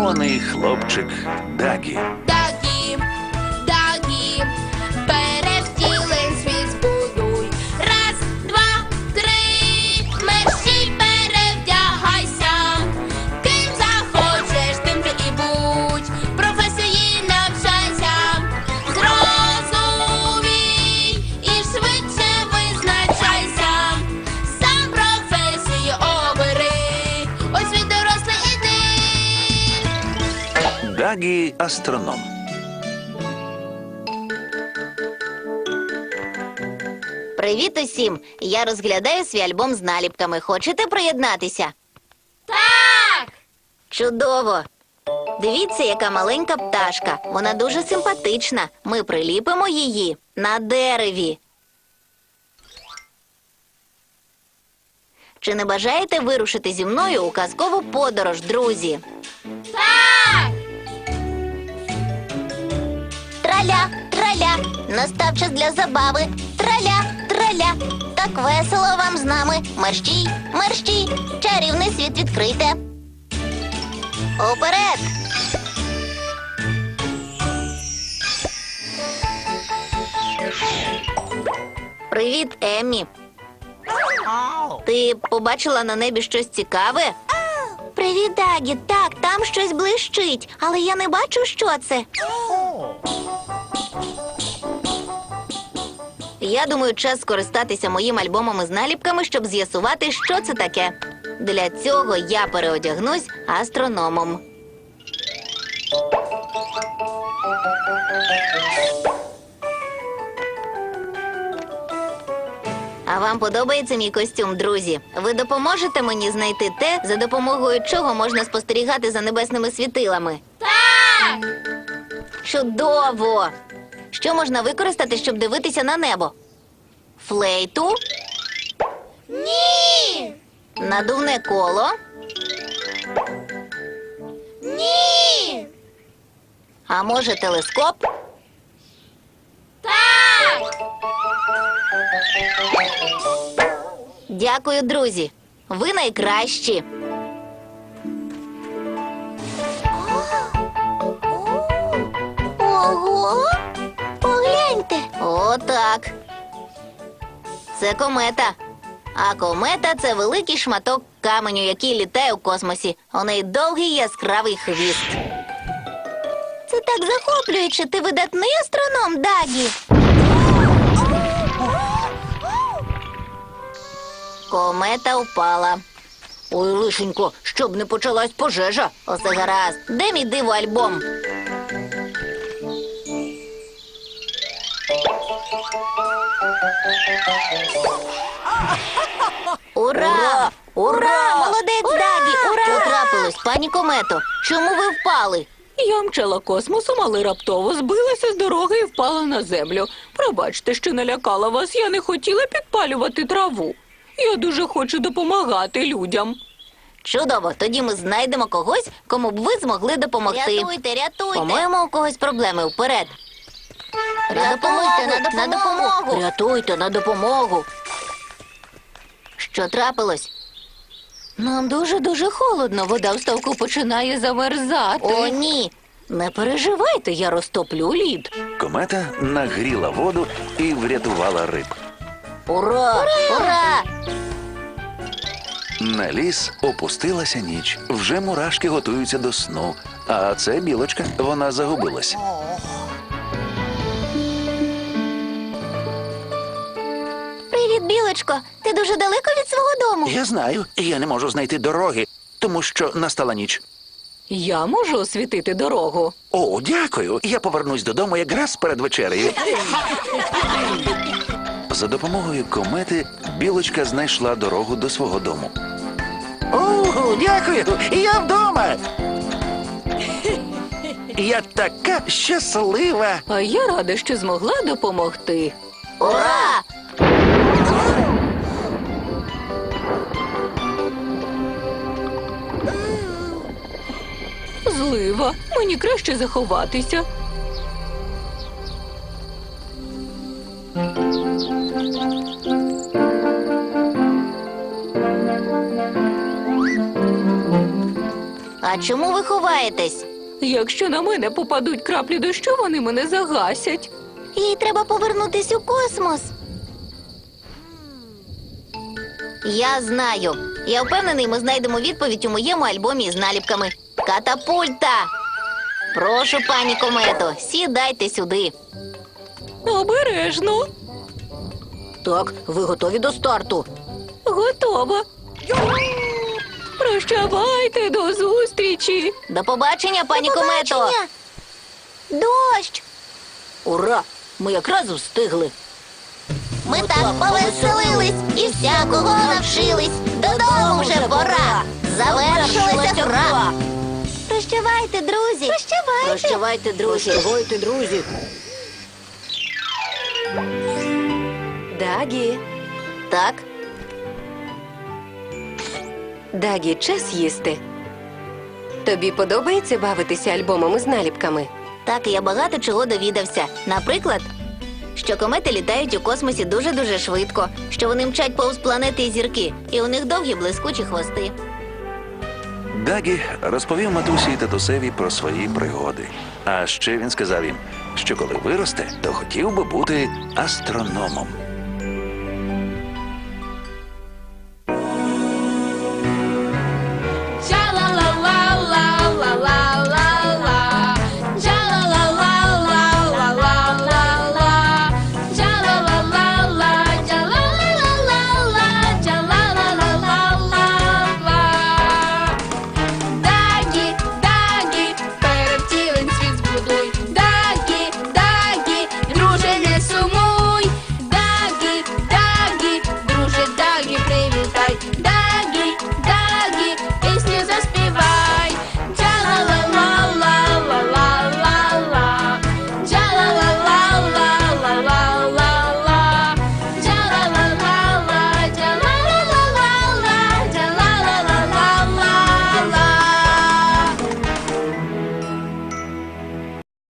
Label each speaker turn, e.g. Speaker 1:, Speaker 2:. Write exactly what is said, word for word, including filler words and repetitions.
Speaker 1: здивований хлопчик Дагі.
Speaker 2: Дагі, Дагі, перевтілень світ збудуй. Раз, два, три, мерщій перевдягайся. Ким захочеш, тим ти і будь. Професії навчайся. Зрозумій і швидше визначайся. Сам професію обери. Ось він дорослий іди.
Speaker 1: Дагі – астроном.
Speaker 3: Привіт усім! Я розглядаю свій альбом з наліпками. Хочете приєднатися?
Speaker 2: Так!
Speaker 3: Чудово! Дивіться, яка маленька пташка. Вона дуже симпатична. Ми приліпимо її на дереві. Чи не бажаєте вирушити зі мною у казкову подорож, друзі?
Speaker 2: Так!
Speaker 3: Траля, траля, настав час для забави. Траля, траля, так весело вам з нами. Мерщій, мерщій, чарівний світ відкрийте. Уперед! Привіт, Еммі. Ти побачила на небі щось цікаве? Привіт, Дагі. Так, там щось блищить, але я не бачу, що це. Я думаю, час скористатися моїм альбомом із наліпками, щоб з'ясувати, що це таке. Для цього я переодягнусь астрономом. А вам подобається мій костюм, друзі? Ви допоможете мені знайти те, за допомогою чого можна спостерігати за небесними світилами?
Speaker 2: Так!
Speaker 3: Чудово! Що можна використати, щоб дивитися на небо? Флейту?
Speaker 2: Ні!
Speaker 3: Надувне коло?
Speaker 2: Ні!
Speaker 3: А може телескоп?
Speaker 2: Так!
Speaker 3: Дякую, друзі. Ви найкращі. Ого! Погляньте. О, так. Це комета. А комета – це великий шматок каменю, який літає у космосі. У неї довгий яскравий хвіст. Це так захоплююче. Ти видатний астроном, Дагі. Комета впала. Ой, лишенько, щоб не почалась пожежа. Усе гаразд. Де мій диво-альбом? Ура! Ура! Молодець, Дагі! Ура! Що трапилось, пані комето? Чому ви впали?
Speaker 4: Я мчала космосом, але раптово збилася з дороги і впала на землю. Пробачте, що налякала вас, я не хотіла підпалювати траву. Я дуже хочу допомагати людям.
Speaker 3: Чудово, тоді ми знайдемо когось, кому б ви змогли допомогти. Рятуйте, рятуйте. По-моєму, у когось проблеми. Вперед. На допомогу, на допомогу. На допомогу. Рятуйте, на допомогу. Що трапилось?
Speaker 4: Нам дуже-дуже холодно, вода в ставку починає замерзати.
Speaker 3: О, ні.
Speaker 4: Не переживайте, я розтоплю лід.
Speaker 1: Комета нагріла воду і врятувала риб.
Speaker 3: Ура! Ура!
Speaker 1: На ліс опустилася ніч. Вже мурашки готуються до сну. А це білочка, вона загубилась.
Speaker 3: Привіт, білочко. Ти дуже далеко від свого дому.
Speaker 1: Я знаю, я не можу знайти дороги, тому що настала ніч.
Speaker 4: Я можу освітити дорогу.
Speaker 1: О, дякую. Я повернусь додому якраз перед вечерею. За допомогою комети білочка знайшла дорогу до свого дому. О, дякую! Я вдома! Я така щаслива!
Speaker 4: А я рада, що змогла допомогти.
Speaker 3: Ура!
Speaker 4: Злива, мені краще заховатися.
Speaker 3: А чому ви ховаєтесь?
Speaker 4: Якщо на мене попадуть краплі дощу, вони мене загасять.
Speaker 3: Їй треба повернутись у космос. Я знаю. Я впевнений, ми знайдемо відповідь у моєму альбомі з наліпками. Катапульта! Прошу, пані комето, сідайте сюди.
Speaker 4: Обережно.
Speaker 3: Так, ви готові до старту?
Speaker 4: Готово. Прощавайте, до зустрічі.
Speaker 3: До побачення, пані комето. Дощ! Ура! Ми якраз встигли. Ми так повеселились і всякого навчились. Додому вже пора. Завершилася гра. Прощавайте, друзі. Прощавайте. Прощавайте, друзі. Прощавайте, друзі.
Speaker 5: Дагі,
Speaker 3: Так,
Speaker 5: Дагі, час їсти. Тобі подобається бавитися альбомами з наліпками?
Speaker 3: так, я багато чого довідався. Наприклад, що комети літають у космосі дуже-дуже швидко, що вони мчать повз планети і зірки, і у них довгі блискучі хвости.
Speaker 1: Дагі розповів матусі і татусеві про свої пригоди. А ще він сказав їм, що коли виросте, то хотів би бути астрономом.